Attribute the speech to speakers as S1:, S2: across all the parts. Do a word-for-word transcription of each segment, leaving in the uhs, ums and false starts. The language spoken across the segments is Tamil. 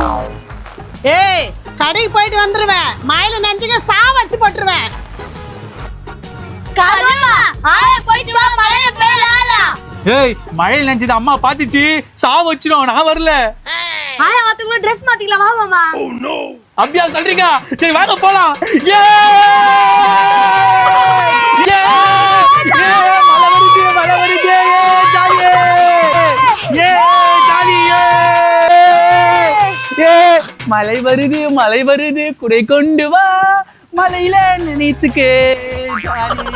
S1: ஏய் கடைக்கு போயிட்டு வந்துருவேன். மயில நெஞ்சுக்க சா வச்சு போட்டுருவேன்.
S2: ஏய் மழையில நினைச்சது அம்மா பாத்துச்சு சா வச்சிரும் நான் வரல.
S3: ஆயா அதுக்குள்ள Dress மாத்திக்கலாம் வா மாமா.
S2: அப்படியா சொல்றீங்க? சரி வாங்க போலாம். ஏ ஏ மழை வருது மழை வருது ஜாலியே ஏ ஜாலியே ஏ மழை வருது மழை வருது குடை கொண்டு வா மழையில நினைத்துக்கே ஜாலி.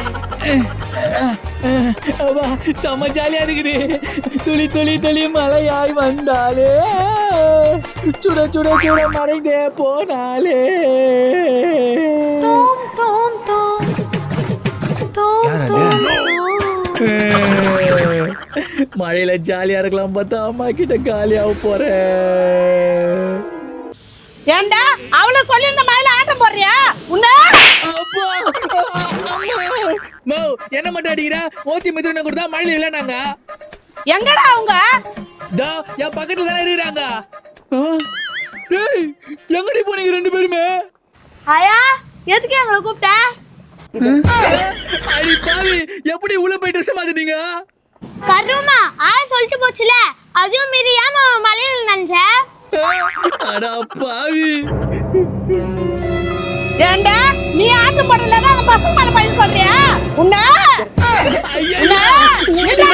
S2: செம்ம ஜாலியா இருக்குது. துளி துளி துளி மழையாய் வந்தாலே சுட சுட சுட மறைந்தே போனாலே. மழையில ஜாலியா இருக்கலாம் பார்த்தா அம்மா கிட்ட காலியாக போறேன்.
S1: ஏண்டா அவள சொல்லி இந்த மயில ஆட்டம் போடுறியா? உன்ன
S2: என்ன மட்டும் அடிக்கிற? ஓத்தி மிதுன கொடுத்தா மழையில இல்ல நாங்க.
S1: எங்கடா அவங்க?
S2: தா என் பக்கத்துல தானே இருக்கிறாங்க. டேய் எங்கடி போனீங்க ரெண்டு பேருமே?
S3: ஆயா எதுக்கு எங்களை கூப்பிட்ட?
S2: அடி பாவி எப்படி உள்ள போய் ட்ரெஸ் மாத்திட்டீங்க?
S3: கருமா ஆயா சொல்லிட்டு போச்சுல அதுவும் மீறி ஏமா மலையில நனைஞ்ச?
S2: அட பாவி.
S1: ஏண்டா நீ ஆட்டம் போடலன்னா அந்த பசங்க மேல பையன் சொல்றியா? உன்ன
S2: ஐயா